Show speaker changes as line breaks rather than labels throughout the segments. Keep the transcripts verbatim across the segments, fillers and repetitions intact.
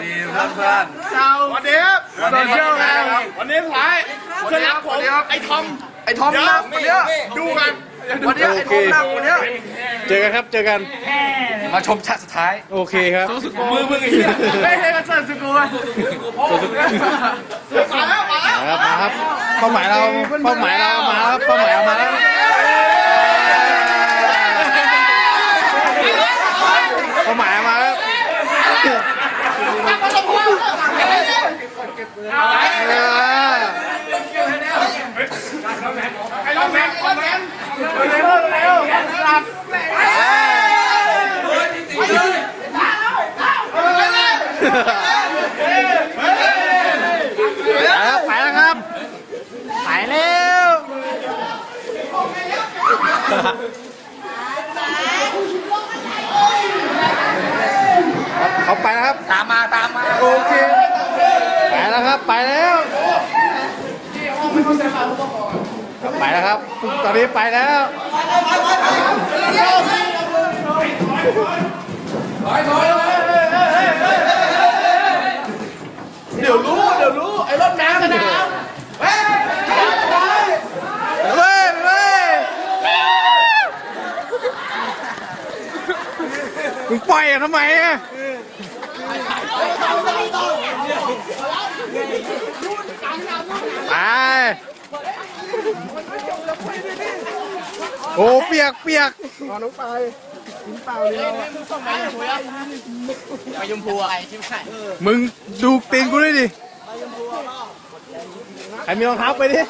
ดีเพื่อนเพื่อน
วันนี้วันนี้วันนี้ท้ายเพื่อนรักผมไอ้ทอมไอ้ทอมนะวันนี้ดูกันวันนี้ไอ้ทอมนะวันนี้
เจอกันครับเจอกัน
มาชมฉากสุดท้าย
โอเคครับ
มือมือไอ้เหี้ยไม่ให้กันเสิร์ฟสกูอ่ะมาแล้วมาแล้ว
มาครับเป้าหมายเราเป้าหมายเรามาแล้วเป้าหมายเรามาแล้วเป้าหมายมาแล้ว
ไอ้ล้อแมนล้อแมนเร็วเร็วหลับ
ไปแล้วครับไปแล้วเขาไปแล้วครับ
ตามมาตามมา
โอเคไปแล้วครับไปแล้วไปแล้วครับตอนนี้ไปแล้ว
เดี๋ยวรู้เดี๋ยวรู้ไอ้รถน้ำนะเฮ้ย
เว้ยเว้ยมึงปล่อยอ่ะทำไมอ่ะไปโอ้เปียกเปียก
อ๋อน้องไปกินเปล่าเลยไปยมพูอะไรชิมไข่
มึงดูตีนกูด้วยดิใครมีรองเท้าไปดิ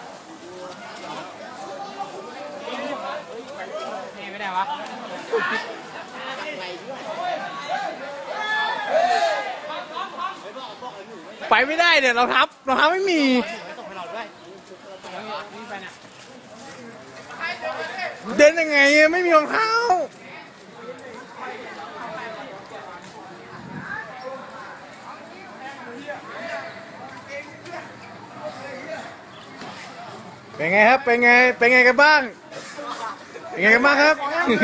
ไม่ได้วะ
ไปไม่ได้เนี่ยรองเท้ารองเท้าไม่มีเดินยังไงไม่มีรองเท้าเป็นไงครับเป็นไงเป็นไงกันบ้างเป็นไงกันบ้างครับ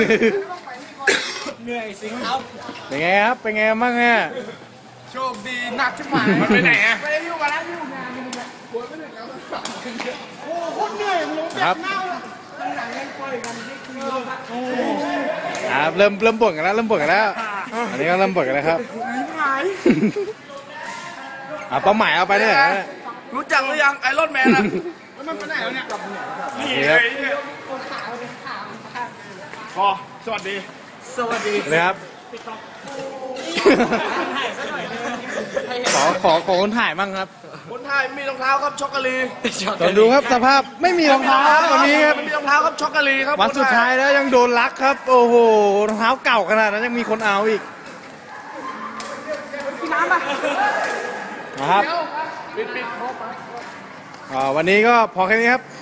เหนื่อยสิครับ
เป็นไงครับเป็นไงบ้างเนี่ย
โชคดีหนักชิบหายมันไปไหนอ่ะไปอยู่มาแล้วอยู่งานนี่มันปวดไม่ถึงแล้วโอ้โคตรเหนื่อยมันลงเจ็บเน่าแล้วหลังยังปล่อยกันไม่คุย
ครับเริ่มเริ่มบ่นกันแล้วเริ่มบ่นกันแล้วอันนี้ก็เริ่มบ่นกันแล้วครับอ่าเป้าหมายเอาไปเนี่ย
รู้จักหรือยังไอรอนแมนอ่ะมันไปไหนแล้วเนี่ยนี่เลยพอสวัสดีสวัสดี
เลยครับขอขอขอคนถ่ายบ้างครับ
คนถ่ายมีรองเท้าครับช็อกโกแลต
ตอนดูครับสภาพไม่มีรองเท้าวันนี้ครับ
มีรองเท้าครับช็อกโกแลตครับ
วันสุดท้ายแล้วยังโดนลักครับโอ้โหรองเท้าเก่าขนาดนั้นยังมีคนเอาอีก
น้ำป่ะ
นะครับวันนี้ก็พอแค่นี้ครับ